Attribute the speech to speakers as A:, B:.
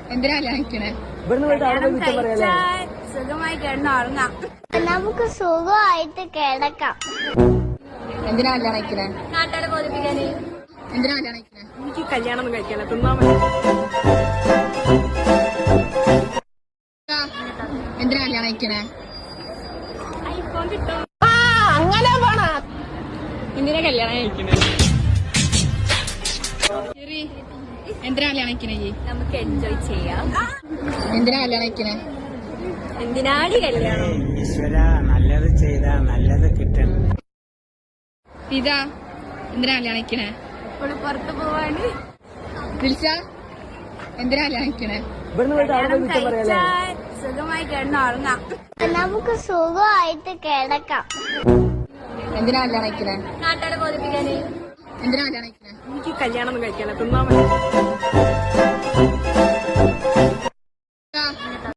A: എന്തിനാ കല്യാണിക്കണേ?
B: സുഖമായി കിടന്നുറങ്ങാം. നമുക്ക് സുഖമായിട്ട് കിടക്കാം.
A: എന്തിനാ കല്യാണിക്കണേ?
B: നാട്ടുകാരെ ബോധിപ്പിക്കാന്.
A: എന്തിനാ കല്യാണിക്കണേ?
C: എനിക്ക് കല്യാണം ഒന്നും കഴിക്കാനല്ല, തിന്നാ മതി.
A: എന്തിനാ കല്യാണിക്കണേ?
C: അങ്ങനെ പോണ എന്തിനാ കല്യാണം കഴിക്കണേ?
A: ശരി, എന്തിനാ കല്യാണിക്കണേ?
B: നമുക്ക് എൻജോയ് ചെയ്യാം.
A: എന്തിനാ കല്യാണിക്കണേ?
B: എന്തിനാണ് കല്യാണം?
D: ഈശ്വര, നല്ലത് ചെയ്താ നല്ലത് കിട്ടണം.
A: ഇതാ എന്തിനാ കല്യാണിക്കണേ?
B: ഇപ്പോൾ പുറത്തു പോവാണ്.
A: ദിൽഷ, എന്തിനാ കല്യാണിക്കണേ?
B: സുഖമായി കിടന്നുറങ്ങാം. നമുക്ക് സുഖമായിട്ട് കിടക്കാം.
A: എന്തിനാ കല്യാണിക്കണേ?
B: നാട്ടുകാരെ ബോധിപ്പിക്കാന്.
A: എന്തിനാ കല്യാണിക്കണേ?
C: എനിക്ക് കല്യാണം ഒന്നും കഴിക്കാനല്ല, തിന്നാ മതി.